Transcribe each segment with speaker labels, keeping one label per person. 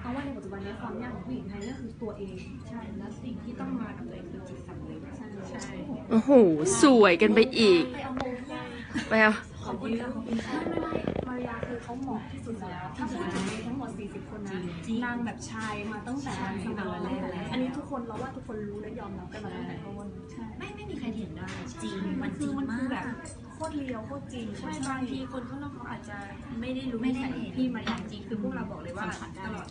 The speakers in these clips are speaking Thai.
Speaker 1: เพราะว่าในปัจจุบันนี้ความยากของผู้หญิงไทยก็คือตัวเองใช่แล้วสิ่งที่ต้องมากับตัวเองคือจิตสำนึกใช่
Speaker 2: โอ้โหสวยกันไปอีกไปเอา
Speaker 1: ขอบคุณค่ะไม่มารยาคือเขาเหมาะที่สุดแล้วถ้าพูดถึงทั้งหมด40คนนะนางแบบชายมาตั้งแต่สมัยแรกอันนี้ทุกคนเราว่าทุกคนรู้และยอมรับกันมาตั้งแต่ต้นใช่
Speaker 3: ไม่มีใครเห็นได้จริง
Speaker 1: มันคือแบบโคตรเลียวโคตรจริงใช่บางทีคนข้างนอกเขาอาจจะไม่ได้รู้ไม่ได้เห็นพี่มารยาจริงคือพวกเราบอกเลยว่าตลอด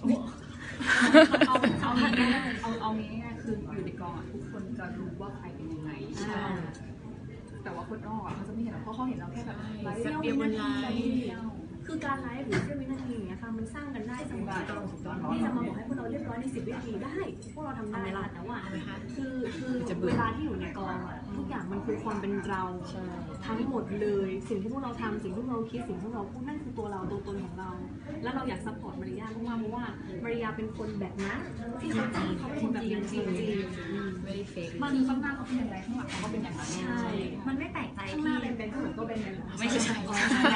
Speaker 1: เอาง่ายๆคืออยู่ในกองทุกคนจะรู้ว่าใครเป็นยังไงใช่แต่ว่าคนนอกเขาจะไม่เห็นเพราะเขาเห็นเราแค่แบบไลฟ์เดียวคือการไลฟ์หรือเชื่อวินาทีอย่างเงี้ยค่ะมันสร้างกันได้สมมติที่จะมาบอกให้พวกเราเรียบร้อยใน10 วินาทีได้พวกเราทำได้แต่ว่าคือเวลาที่อยู่ในกองทุกอย่างมันคือความเป็นเราทั้งหมดเลยสิ่งที่พวกเราทำสิ่งที่เราคิดสิ่งที่เราพูดนั่นคือตัวเราตัวตนของเราแล้วเราอยากซัพพอร์ตมาริยามากๆเพราะว่ามาริยาเป็นคนแบบนั้นที่เขาเป็นคนแบบนั้นจริง
Speaker 3: ไม่ได้เฟก
Speaker 1: มันข้างหน้าเขาเป็นอย่างไรข้างหลังเขาก็เป็นอย่างนั้นใช่
Speaker 3: มันไม่แปลกใจ
Speaker 1: ข้างหน้าเป็นข้างหลังก็เป็นอย่างนั้น
Speaker 3: ไม่ใช่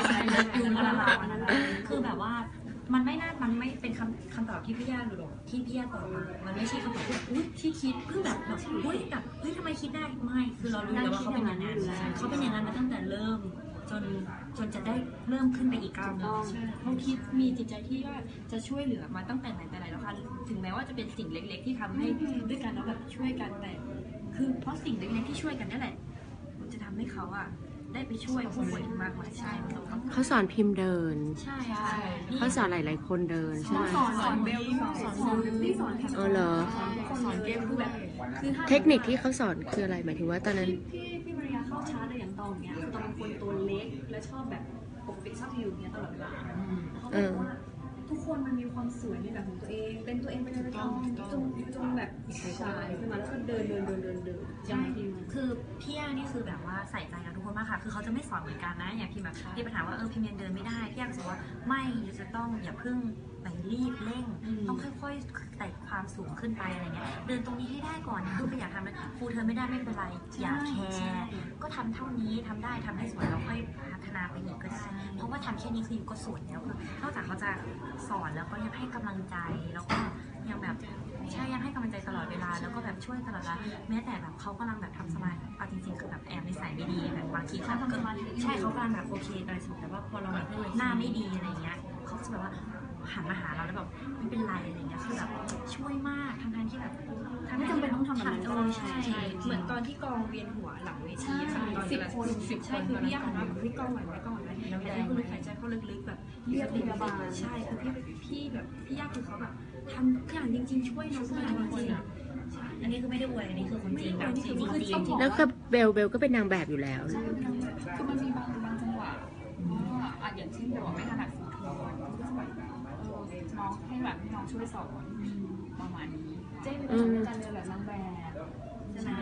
Speaker 3: คือแบบว่ามันไม่เป็นคำตอบที่พี่ย่าหรือที่พี่ย่าตอบมามันไม่ใช่คำตอบที่คิดเพิ่งแบบทำไมคิดได้ไม่คือเรารู้แล้วว่าเขาเป็นอย่างนั้นเขาเป็นอย่างนั้นมาตั้งแต่เริ่มจนจะได้เริ่มขึ้นไปอีกก้าวนึง
Speaker 1: เขาคิดมีจิตใจที่ว่าจะช่วยเหลือมาตั้งแต่ไหนแต่ไรแล้วค่ะถึงแม้ว่าจะเป็นสิ่งเล็กๆที่ทำให้ด้วยกันแล้วแบบช่วยกันแต่คือเพราะสิ่งเล็กๆที่ช่วยกันนั่นแหละมันจะทำให้เขาได้ไปช่วยผู้ป่วยมากมายใช่
Speaker 2: เขาสอนพิมพ์เดิน
Speaker 1: ใช่
Speaker 2: เขาสอนหลายๆคนเดินใช่ไหม
Speaker 1: สอนเบลสอนที่สอน
Speaker 2: เหรอ
Speaker 1: สอนเกมคือแบบ
Speaker 2: เทคนิคที่เขาสอนคืออะไรหมายถึงว่าตอนนั้น
Speaker 1: พี่มาริยาเข้าชาร์จอะไรอย่างตอนเนี้ยคือตอนเป็นคนตัวเล็กและชอบแบบปกปิดชอบอยู่เนี้ยตลอดเวลาเขาบอกว่าทุกคนมันมีความสวยในแบบของตัวเองเป็นตัวเองไปเลยจงแบบสายขึ้นมาแล้วก็เดิน
Speaker 3: ใช่คือพี่ย่านี่คือแบบว่าใส่ใจกับทุกคนมากค่ะคือเขาจะไม่สอนเหมือนกันนะอย่างพี่แบบพี่ปัญหาว่าพี่เมียนเดินไม่ได้พี่ย่าบอกว่าไม่จะต้องอย่าเพิ่งไปรีบเร่งต้องค่อยๆไต่ความสูงขึ้นไปอะไรเงี้ยเดินตรงนี้ให้ได้ก่อนพูดไปอยากทำเลยครูเธอไม่ได้ไม่เป็นไรอย่าแคร์ก็ทำเท่านี้ทำได้ทำให้สวยแล้วค่อยพัฒนาไปอีกก็ได้เพราะว่าทำแค่นี้คืออยู่ก็สวยแล้วคือนอกจากเขาจะสอนแล้วก็ยังให้กำลังใจแล้วก็ยังแบบใช่ยังให้กำลังใจตลอดเวลาแล้วก็แบบช่วยตลอดเวลาแม้แต่แบบเขากำลังแบบทำสมาธิจริงๆคือแบบแอบในสายไม่ดีแบบบางทีเขาเกิดใช่เขากำลังแบบโอเคอะไรสมมติแต่ว่าพอเราแบบหน้าไม่ดีอะไรเงี้ยเขาจะแบบว่าหันมาหาเราแล้วแบบไม่เป็นไรอะไรเงี้ยคือแบบช่วยมากทั้งที่แบบ
Speaker 1: ไม่จำเป็นต้องทำแบบนั้น
Speaker 3: ใช่
Speaker 1: เหมือนตอนที่กองเวียนหัวหลังเวทีค่ะตอน10 คนใช่คือพี่อยากทำพี่กองไหวไม่กองไหวแล้วพี่คุณหายใจเข้าลึกๆแบบเรียกพยาบาลใช่คือพี่แบบพี่ยากคือเขาแบบทำทุกอย่างจริงๆช่วยน้องทุกอย่างจริง
Speaker 3: อันนี้คือไม่ได้อวยอันนี้คือคนจริงแบบจริง
Speaker 2: แล้วก็เบลก็เป็นนางแบบอยู่แล้ว
Speaker 1: คือมันมีบางจังหวะอย่างเช่นแบบไม่ถนัดฟูทูน้องให้แบบน้องช่วยสอนประมาณนี้เจ๊เป็นการเดินแบบนางแบบใช่ไหม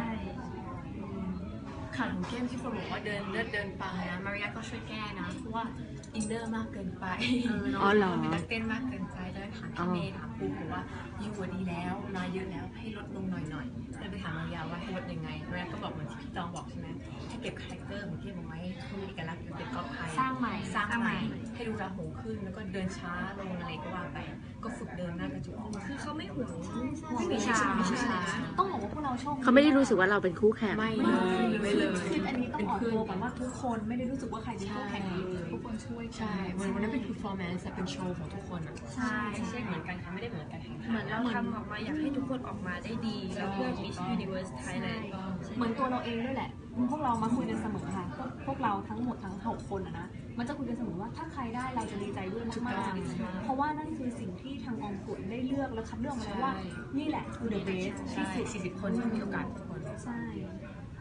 Speaker 4: ขาดของเกมที่คนบอกว่าเดินเลือดเดินไปนะมาริยาก็ช่วยแก้นะเพราะว่าอินเนอร์มากเกินไปเป็นนักเต้นมากเกินไปเลยถามพี่เมย์ถามปูบอกว่าอยู่ดีแล้วมาเยอะแล้วให้ลดลงหน่อยเลยไปถามมาริยาว่าให้ลดยังไงมาริยาก็บอกเหมือนที่พี่ตองบอกใช่ไหมให้เก็บคาแรคเตอร์ของเกมเอาไว้ให้มีเอกลักษณ์เป็นก๊อปไทย
Speaker 3: สร้างใหม่
Speaker 4: ให้ดูราหูขึ้นแล้วก็เดินช้าลงอะไรก็ว่าไปก็ฝึกเดินหน้ากระจก
Speaker 1: คือเขาไม่ห่วง
Speaker 3: วิชา
Speaker 1: ต้องบอกว่าพวกเราชอบ
Speaker 2: เขาไม่ได้รู้สึกว่าเราเป็นคู่แข่ง
Speaker 4: ไม่เลย
Speaker 1: คืออันนี้ต้องออกตัวก่อนว่าทุกคนไม่ได้รู้สึกว่าใครเป็นคู่แข่งทุกคนช่วย
Speaker 4: ใช่วันนั้นเป็น performance เป็นโชว์ของทุกคนอ่ะ
Speaker 3: ใช่
Speaker 4: ไม่ใช่เหมือนกันค่ะไม่ได้เหมือนกัน
Speaker 1: เหมือนเราทำออกมาอยากให้ทุกคนออกมาได้ดีแล้วเพื่อ Miss Universe Thailand เหมือนตัวเราเองด้วยแหละพวกเรามาคุยกันเสมอค่ะพวกเราทั้งหมดทั้ง6 คนนะมันจะคุยกันเสมอว่าถ้าใครได้เราจะดีใจด้วยมากๆเพราะว่านั่นคือสิ่งที่ทางกองประกวดได้เลือกและคัดเลือกมาแล้วว่านี่แหละคือ the best ที่สุด
Speaker 4: 40 คนที่มีโอกาสทุกคน
Speaker 1: ใช่